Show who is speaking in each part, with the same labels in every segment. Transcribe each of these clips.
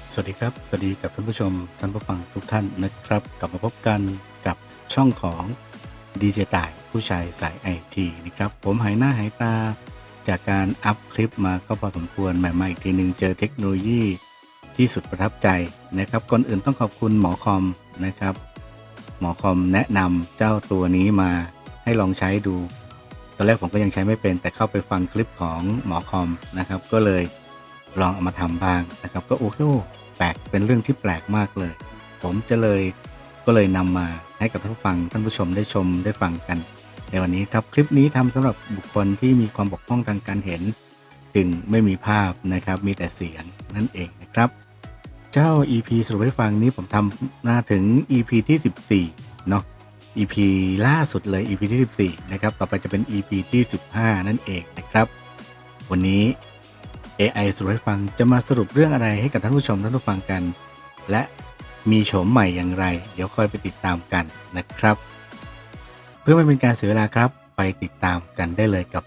Speaker 1: สวัสดีครับสวัสดีกับท่านผู้ชมท่านผู้ฟังทุกท่านนะครับกลับมาพบกันกับช่องของดีเจต่ายผู้ชายสายไอทีนะครับผมหายหน้าหายตาจากการอัพคลิปมาก็พอสมควรใหม่ๆอีกทีนึงเจอเทคโนโลยีที่สุดประทับใจนะครับก่อนอื่นต้องขอบคุณหมอคอมนะครับหมอคอมแนะนำเจ้าตัวนี้มาให้ลองใช้ดูตอนแรกผมก็ยังใช้ไม่เป็นแต่เข้าไปฟังคลิปของหมอคอมนะครับก็เลยลองเอามาทำบ้างนะครับก็โอ้โหแปลกเป็นเรื่องที่แปลกมากเลยผมก็เลยนำมาให้กับท่านผู้ฟังท่านผู้ชมได้ชมได้ฟังกันในวันนี้ครับคลิปนี้ทำสำหรับบุคคลที่มีความบกพร่องทางการเห็นจึงไม่มีภาพนะครับมีแต่เสียงนั่นเองนะครับเจ้า EP สรุปให้ฟังนี้ผมทำมาถึง EP ที่14เนาะ EP ล่าสุดเลย EP ที่14นะครับต่อไปจะเป็น EP ที่15นั่นเองนะครับวันนี้ AI สรุปให้ฟังจะมาสรุปเรื่องอะไรให้กับท่านผู้ชมท่านผู้ฟังกันและมีโฉมใหม่อย่างไรเดี๋ยวค่อยไปติดตามกันนะครับเพื่อไม่เป็นการเสียเวลาครับไปติดตามกันได้เลยกับ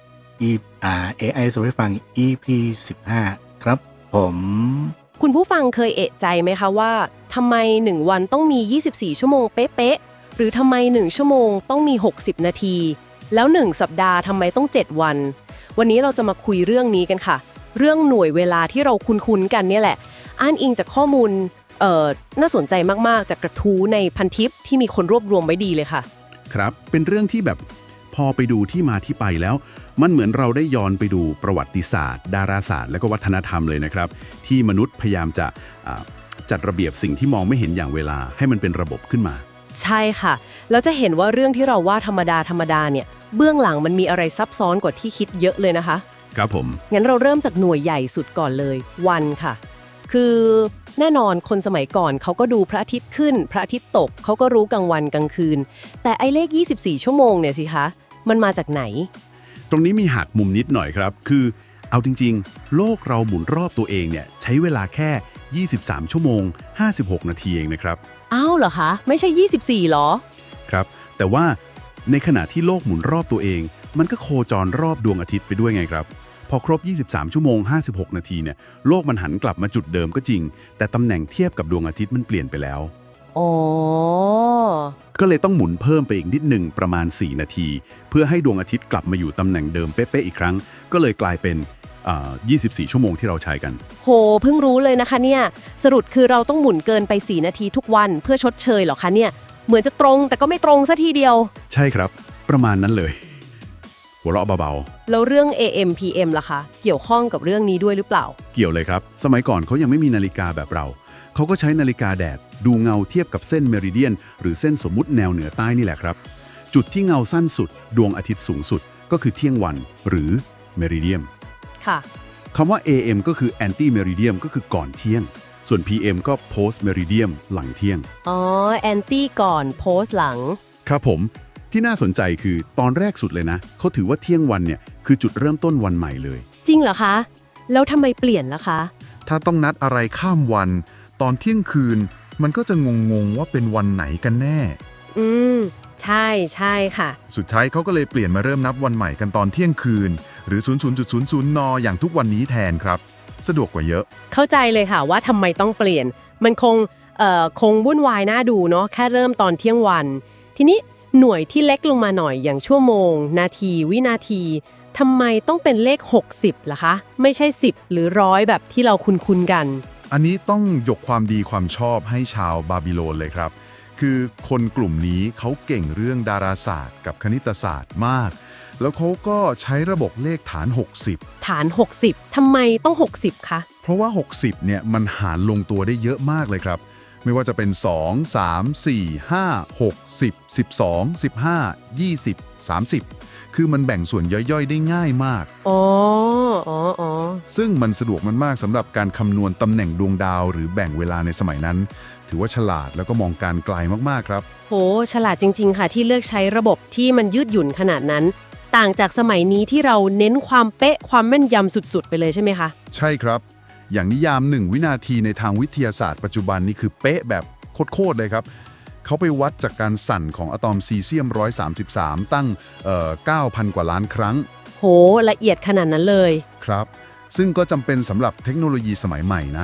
Speaker 1: AI สรุปให้ฟัง EP 15ครับผม
Speaker 2: คุณผู้ฟังเคยเอะใจไหมคะว่าทำไม1วันต้องมี24ชั่วโมงเป๊ะๆหรือทำไม1ชั่วโมงต้องมี60นาทีแล้ว1สัปดาห์ทำไมต้อง7วันวันนี้เราจะมาคุยเรื่องนี้กันค่ะเรื่องหน่วยเวลาที่เราคุ้นๆกันเนี่ยแหละอ้างอิงจากข้อมูลน่าสนใจมากๆจากกระทู้ในพันทิปที่มีคนรวบรวมไว้ดีเลยค่ะ
Speaker 3: ครับเป็นเรื่องที่แบบพอไปดูที่มาที่ไปแล้วมันเหมือนเราได้ย้อนไปดูประวัติศาสตร์ดาราศาสตร์และก็วัฒนธรรมเลยนะครับที่มนุษย์พยายามจะจัดระเบียบสิ่งที่มองไม่เห็นอย่างเวลาให้มันเป็นระบบขึ้นมา
Speaker 2: ใช่ค่ะแล้วจะเห็นว่าเรื่องที่เราว่าธรรมดาเนี่ยเบื้องหลังมันมีอะไรซับซ้อนกว่าที่คิดเยอะเลยนะคะ
Speaker 3: ครับผม
Speaker 2: งั้นเราเริ่มจากหน่วยใหญ่สุดก่อนเลยวันค่ะคือแน่นอนคนสมัยก่อนเขาก็ดูพระอาทิตย์ขึ้นพระอาทิตย์ตกเขาก็รู้กลางวันกลางคืนแต่ไอ้เลข24ชั่วโมงเนี่ยสิคะมันมาจากไหน
Speaker 3: ตรงนี้มีหักมุมนิดหน่อยครับคือเอาจริงๆโลกเราหมุนรอบตัวเองเนี่ยใช้เวลาแค่23ชั่วโมง56นาทีเองนะครับ
Speaker 2: อ้าวเหรอคะไม่ใช่24หรอ
Speaker 3: ครับแต่ว่าในขณะที่โลกหมุนรอบตัวเองมันก็โคจรรอบดวงอาทิตย์ไปด้วยไงครับพอครบ23ชั่วโมง56นาทีเนี่ยโลกมันหันกลับมาจุดเดิมก็จริงแต่ตำแหน่งเทียบกับดวงอาทิตย์มันเปลี่ยนไปแล้ว
Speaker 2: อ๋อ
Speaker 3: ก็เลยต้องหมุนเพิ่มไปอีกนิดหนึ่งประมาณ4นาทีเพื่อให้ดวงอาทิตย์กลับมาอยู่ตำแหน่งเดิมเป๊ะๆอีกครั้งก็เลยกลายเป็น24ชั่วโมงที่เราใช้กัน
Speaker 2: โหเพิ่งรู้เลยนะคะเนี่ยสรุปคือเราต้องหมุนเกินไป4นาทีทุกวันเพื่อชดเชยเหรอคะเนี่ยเหมือนจะตรงแต่ก็ไม่ตรงซะทีเดียว
Speaker 3: ใช่ครับประมาณนั้นเลยหัวเราะเบา
Speaker 2: ๆแล้วเรื่อง AM PM ล่ะคะเกี่ยวข้องกับเรื่องนี้ด้วยหรือเปล่า
Speaker 3: เกี่ยวเลยครับสมัยก่อนเขายังไม่มีนาฬิกาแบบเราเขาก็ใช้นาฬิกาแดดดูเงาเทียบกับเส้นเมริเดียนหรือเส้นสมมุติแนวเหนือใต้นี่แหละครับจุดที่เงาสั้นสุดดวงอาทิตย์สูงสุดก็คือเที่ยงวันหรือเมริเดียม
Speaker 2: ค่ะ
Speaker 3: คำว่า AM ก็คือ anti meridian ก็คือก่อนเที่ยงส่วน PM ก็ post meridian หลังเที่ยง
Speaker 2: อ๋อ anti ก่อน post หลัง
Speaker 3: ครับผมที่น่าสนใจคือตอนแรกสุดเลยนะเขาถือว่าเที่ยงวันเนี่ยคือจุดเริ่มต้นวันใหม่เลย
Speaker 2: จริงเหรอคะแล้วทำไมเปลี่ยนล่ะคะ
Speaker 4: ถ้าต้องนัดอะไรข้ามวันตอนเที่ยงคืนมันก็จะงงว่าเป็นวันไหนกันแน่
Speaker 2: ใช่ค่ะ
Speaker 4: สุดท้ายเขาก็เลยเปลี่ยนมาเริ่มนับวันใหม่กันตอนเที่ยงคืนหรือ 00.00 นอย่างทุกวันนี้แทนครับสะดวกกว่าเยอะ
Speaker 2: เข้าใจเลยค่ะว่าทำไมต้องเปลี่ยนมันคงวุ่นวายน่าดูเนาะแค่เริ่มตอนเที่ยงวันทีนี้หน่วยที่เล็กลงมาหน่อยอย่างชั่วโมงนาทีวินาทีทำไมต้องเป็นเลข60ล่ะคะไม่ใช่10หรือ100แบบที่เราคุ้นกัน
Speaker 4: อันนี้ต้องยกความดีความชอบให้ชาวบาบิโลนเลยครับคือคนกลุ่มนี้เขาเก่งเรื่องดาราศาสตร์กับคณิตศาสตร์มากแล้วเขาก็ใช้ระบบเลขฐาน60
Speaker 2: ฐาน60ทำไมต้อง60คะ
Speaker 4: เพราะว่า60เนี่ยมันหารลงตัวได้เยอะมากเลยครับไม่ว่าจะเป็น2 3 4 5 6 10 12 15 20 30คือมันแบ่งส่วนย่อยๆได้ง่ายมาก
Speaker 2: อ๋อ
Speaker 4: ซึ่งมันสะดวกมันมากสำหรับการคำนวณตำแหน่งดวงดาวหรือแบ่งเวลาในสมัยนั้นถือว่าฉลาดแล้วก็มองการไกลมากๆครับ
Speaker 2: โหฉลาดจริงๆค่ะที่เลือกใช้ระบบที่มันยืดหยุ่นขนาดนั้นต่างจากสมัยนี้ที่เราเน้นความเป๊ะความแม่นยำสุดๆไปเลยใช่ไหมคะ
Speaker 4: ใช่ครับอย่างนิยาม1วินาทีในทางวิทยาศาสตร์ปัจจุบันนี่คือเป๊ะแบบโคตรเลยครับเขาไปวัดจากการสั่นของอะตอมซีเซียม133ตั้ง9,000 กว่าล้านครั้ง
Speaker 2: โหละเอียดขนาดนั้นเลย
Speaker 4: ครับซึ่งก็จำเป็นสำหรับเทคโนโลยีสมัยใหม่นะ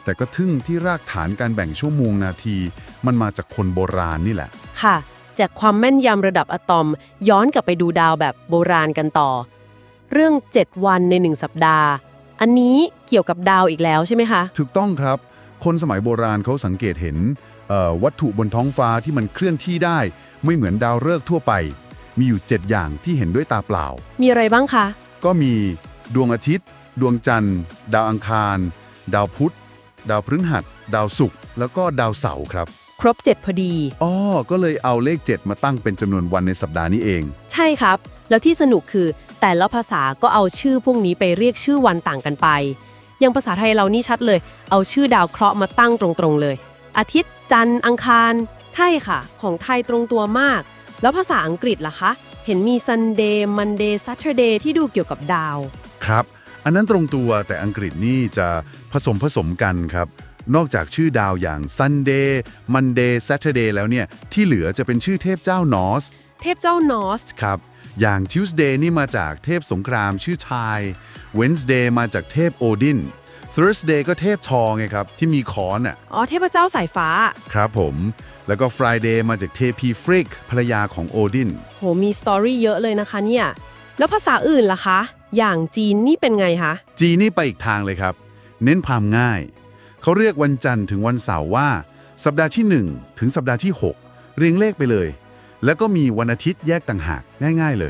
Speaker 4: แต่ก็ทึ่งที่รากฐานการแบ่งชั่วโมงนาทีมันมาจากคนโบราณนี่แหละ
Speaker 2: ค่ะ จากความแม่นยำระดับอะตอมย้อนกลับไปดูดาวแบบโบราณกันต่อ เรื่อง 7 วันใน 1 สัปดาห์ อันนี้เกี่ยวกับดาวอีกแล้วใช่ไหมคะ
Speaker 4: ถูกต้องครับ คนสมัยโบราณเขาสังเกตเห็นวัตถุบนท้องฟ้าที่มันเคลื่อนที่ได้ไม่เหมือนดาวฤกษ์ทั่วไป มีอยู่ 7 อย่างที่เห็นด้วยตาเปล่า
Speaker 2: มีอะไรบ้างคะ
Speaker 4: ก็มีดวงอาทิตย์ ดวงจันทร์ ดาวอังคาร ดาวพุธ ดาวพฤหัส ดาวศุกร์แล้วก็ดาวเสาร์ครับ
Speaker 2: ครบ 7 พอดี
Speaker 4: อ๋อก็เลยเอาเลข 7 มาตั้งเป็นจำนวนวันในสัปดาห์นี้เอง
Speaker 2: ใช่ครับ แล้วที่สนุกคือแต่ละภาษาก็เอาชื่อพวกนี้ไปเรียกชื่อวันต่างกันไป อย่างภาษาไทยเรานี่ชัดเลย เอาชื่อดาวเคราะห์มาตั้งตรงๆเลย อาทิตย์ จันทร์ อังคารใช่ค่ะ ของไทยตรงตัวมาก แล้วภาษาอังกฤษล่ะคะ เห็นมี Sunday Monday Saturday ที่ดูเกี่ยวกับดาว
Speaker 4: ครับ อันนั้นตรงตัวแต่อังกฤษนี่จะผสมกันครับ นอกจากชื่อดาวอย่าง Sunday Monday Saturday แล้วเนี่ยที่เหลือจะเป็นชื่อเทพเจ้านอร์ส
Speaker 2: เทพเจ้านอร์ส
Speaker 4: ครับ อย่าง Tuesday นี่มาจากเทพสงครามชื่อชาย Wednesday มาจากเทพโอดิน Thursday ก็เทพทอไงครับที่มีค้อนอ่ะ
Speaker 2: อ๋อ เทพเจ้าสายฟ้า
Speaker 4: ครับผม แล้วก็ Friday มาจากเทพีฟริกภรรยาของโอดิน
Speaker 2: โห มีสตอรี่เยอะเลยนะคะเนี่ย แล้วภาษาอื่นล่ะคะ อย่างจีนนี่เป็นไงคะ
Speaker 4: จีนนี่ไปอีกทางเลยครับ เน้นความง่าย เขาเรียกวันจันทร์ถึงวันเสาร์ว่า สัปดาห์ที่ 1 ถึงสัปดาห์ที่ 6 เรียงเลขไปเลย แล้วก็มีวันอาทิตย์แยกต่างหากง่ายๆเลย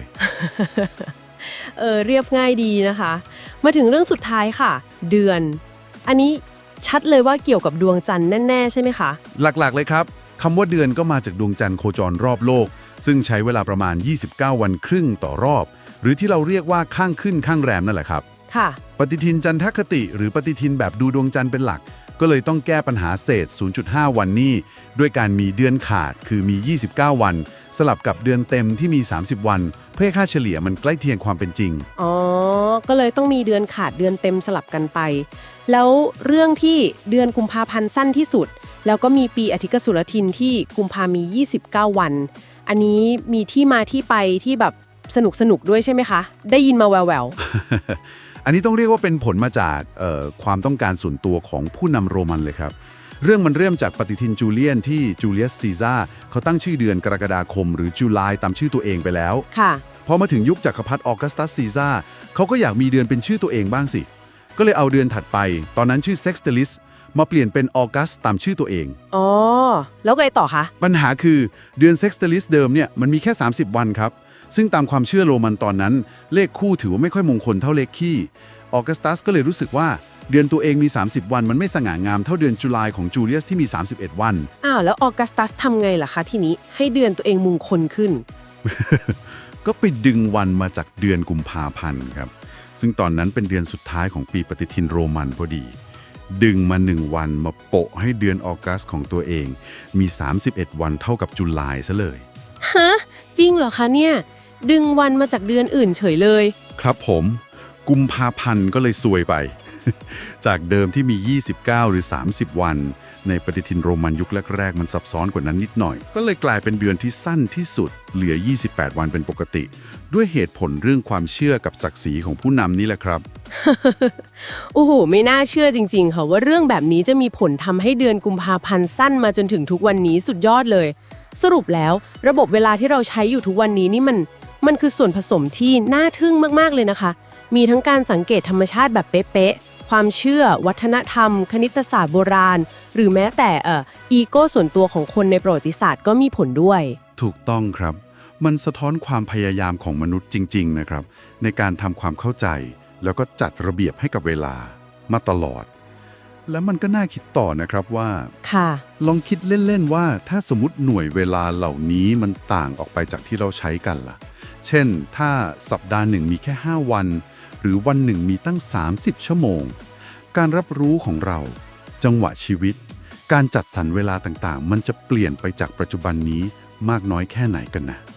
Speaker 2: เรียบง่ายดีนะคะ มาถึงเรื่องสุดท้ายค่ะ เดือน อันนี้ชัดเลยว่าเกี่ยวกับดวงจันทร์แน่ๆใช่ไหมคะ
Speaker 4: หลักๆเลยครับคำว่าเดือนก็มาจากดวงจันทร์โคจรรอบโลก ซึ่งใช้เวลาประมาณ 29 วันครึ่งต่อรอบ หรือที่เราเรียกว่าข้างขึ้นข้างแรมนั่นแหละครับ
Speaker 2: ค่ะ
Speaker 4: ปฏิทินจันทคติหรือปฏิทินแบบดูดวงจันทร์เป็นหลัก ก็เลยต้องแก้ปัญหาเศษ 0.5 วันนี้ด้วยการมีเดือนขาดคือมี 29 วัน สลับกับเดือนเต็มที่มี 30 วัน เพื่อให้ค่าเฉลี่ยมันใกล้เคียงความเป็นจริง
Speaker 2: อ๋อ ก็เลยต้องมีเดือนขาดเดือนเต็มสลับกันไป แล้วเรื่องที่เดือนกุมภาพันธ์สั้นที่สุด แล้วก็มีปีอธิกสุรทินที่กุมภามี 29 วัน อันนี้มีที่มาที่ไปที่แบบสนุกด้วยใช่ไหมคะ ได้ยินมาแวว
Speaker 4: อันนี้ต้องเรียกว่าเป็นผลมาจากความต้องการส่วนตัวของผู้นำโรมันเลยครับ เรื่องมันเริ่มจากปฏิทินจูเลียนที่จูเลียสซีซ่าร์เขาตั้งชื่อเดือนกรกฎาคมหรือจูไลตามชื่อตัวเองไปแล้ว
Speaker 2: ๆ ค่ะ
Speaker 4: พอมาถึงยุคจักรพรรดิออกัสตัสซีซ่าร์เขาก็อยากมีเดือนเป็นชื่อตัวเองบ้างสิ ก็เลยเอาเดือนถัดไป ตอนนั้นชื่อเซ็กซ์เตลิสมาเปลี่ยนเป็นออกัสตามชื่อตัวเอง
Speaker 2: อ๋อ แล้วไงต่อคะ
Speaker 4: ปัญหาคือเดือนเซ็กซ์เตลิสเดิมเนี่ยมันมีแค่ 30 วันครับ ซึ่งตามความเชื่อโรมันตอนนั้น เลขคู่ถือว่าไม่ค่อยมงคลเท่าเลขคี่ออกัสตัสก็เลยรู้สึกว่าเดือนตัวเองมี 30 วันมันไม่สง่างามเท่าเดือนจุลายของจูเลียสที่มี 31 วัน
Speaker 2: อ้าว แล้วออกัสตัสทำไงล่ะคะทีนี้ให้เดือนตัวเองมงคลขึ้น
Speaker 4: ก็ไปดึงวันมาจากเดือนกุมภาพันธ์ครับ ซึ่งตอนนั้นเป็นเดือนสุดท้ายของปีปฏิทินโรมันพอดี ดึงมา1วันมาโปะให้เดือนออกัสของตัวเองมี 31 วันเท่ากับจุลายซะเลย
Speaker 2: ฮะ จริงเหรอคะเนี่ย ดึงวันมาจากเดือนอื่นเฉยเลย
Speaker 4: ครับผมกุมภาพันธ์ก็เลยซวยไป จากเดิมที่มี 29 หรือ 30 วัน ในปฏิทินโรมันยุคแรกๆมันซับซ้อนกว่านั้นนิดหน่อย ก็เลยกลายเป็นเดือนที่สั้นที่สุดเหลือ 28 วันเป็นปกติ ด้วยเหตุผลเรื่องความเชื่อกับศักดิ์ศรีของผู้นำนี่แหละครับ
Speaker 2: โอ้โห ไม่น่าเชื่อจริงๆค่ะว่าเรื่องแบบนี้จะมีผลทำให้เดือนกุมภาพันธ์สั้นมาจนถึงทุกวันนี้สุดยอดเลย สรุปแล้วระบบเวลาที่เราใช้อยู่ทุกวันนี้นี่มันคือส่วนผสมที่น่าทึ่งมากๆเลยนะคะ มีทั้งการสังเกตธรรมชาติแบบเป๊ะๆความเชื่อวัฒนธรรม คณิตศาสตร์โบราณ หรือแม้แต่อีโก้ส่วนตัวของคนในประวัติศาสตร์ก็มีผลด้วย
Speaker 4: ถูกต้องครับ มันสะท้อนความพยายามของมนุษย์จริงๆนะครับในการทำความเข้าใจแล้วก็จัดระเบียบให้กับเวลามาตลอด แล้วมันก็น่าคิดต่อนะครับว่า
Speaker 2: ค่ะ
Speaker 4: ลองคิดเล่นๆว่าถ้าสมมติหน่วยเวลาเหล่านี้มันต่างออกไปจากที่เราใช้กันล่ะ เช่นถ้าสัปดาห์หนึ่งมีแค่5วันหรือวันหนึ่งมีตั้ง30ชั่วโมงการรับรู้ของเราจังหวะชีวิตการจัดสรรเวลาต่างๆมันจะเปลี่ยนไปจากปัจจุบันนี้มากน้อยแค่ไหนกันนะ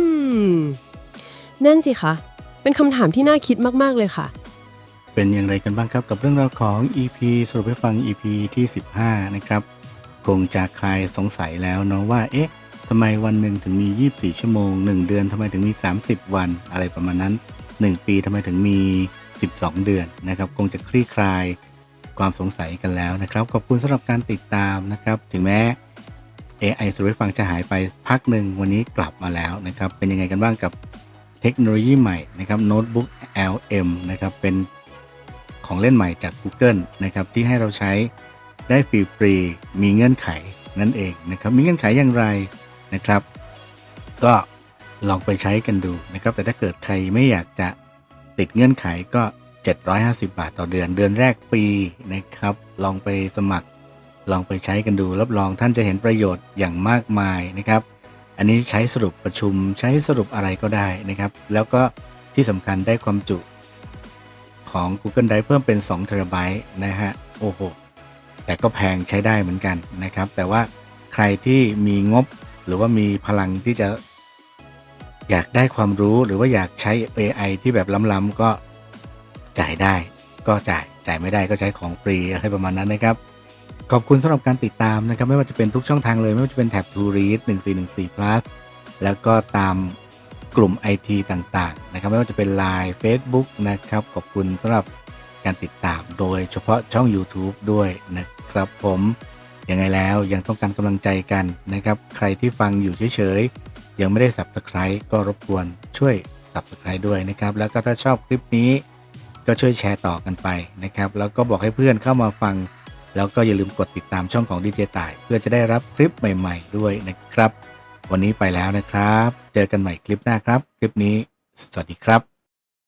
Speaker 2: นั่นสิคะเป็นคำถามที่น่าคิดมากๆเลยค่ะ
Speaker 1: เป็นอย่างไรกันบ้างครับกับเรื่องราวของ EP สรุปให้ฟัง EP ที่ 15 นะครับคงจะคลายสงสัยแล้วเนาะว่าเอ๊ะทำไมวันหนึ่งถึงมี24ชั่วโมง1เดือนทำไมถึงมี30วันอะไรประมาณนั้น1ปีทำไมถึงมี12เดือนนะครับคงจะคลี่คลายความสงสัยกันแล้วนะครับขอบคุณสำหรับการติดตามนะครับถึงแม้ AI สรุปให้ฟังจะหายไปพักหนึ่งวันนี้กลับมาแล้วนะครับเป็นยังไงกันบ้างกับเทคโนโลยีใหม่นะครับโน้ตบุ๊ก LM นะครับเป็นของเล่นใหม่จาก Google นะครับที่ให้เราใช้ได้ฟรีๆมีเงื่อนไขนั่นเองนะครับมีเงื่อนไขอย่างไรนะครับก็ลองไปใช้กันดูนะครับแต่ถ้าเกิดใครไม่อยากจะติดเงื่อนไขก็750 บาทต่อเดือนเดือนแรกฟรีนะครับลองไปสมัครลองไปใช้กันดูรับรองท่านจะเห็นประโยชน์อย่างมากมายนะครับอันนี้ใช้สรุปประชุมใช้สรุปอะไรก็ได้นะครับแล้วก็ที่สำคัญได้ความจุของ Google Drive เพิ่มเป็น2 TB นะฮะโอ้โหแต่ก็แพงใช้ได้เหมือนกันนะครับแต่ว่าใครที่มีงบหรือว่ามีพลังที่จะอยากได้ความรู้หรือว่าอยากใช้ AI ที่แบบล้ำๆก็จ่ายได้ก็จ่ายไม่ได้ก็ใช้ของฟรีอะไรประมาณนั้นนะครับขอบคุณสำหรับการติดตามนะครับไม่ว่าจะเป็นทุกช่องทางเลยไม่ว่าจะเป็นแท็บ To Read 1414 plus แล้วก็ตามกลุ่ม IT ต่างๆนะครับไม่ว่าจะเป็น Line Facebook นะครับขอบคุณสำหรับการติดตามโดยเฉพาะช่อง YouTube ด้วยนะครับผมยังไงแล้วยังต้องการกำลังใจกันนะครับใครที่ฟังอยู่เฉยๆยังไม่ได้ Subscribe ก็รบกวนช่วย Subscribe ด้วยนะครับแล้วก็ถ้าชอบคลิปนี้ก็ช่วยแชร์ต่อกันไปนะครับแล้วก็บอกให้เพื่อนเข้ามาฟังแล้วก็อย่าลืมกดติดตามช่องของดีเจต่ายเพื่อจะได้รับคลิปใหม่ๆด้วยนะครับวันนี้ไปแล้วนะครับเจอกันใหม่คลิปหน้าครับคลิปนี้สวัสดีครับ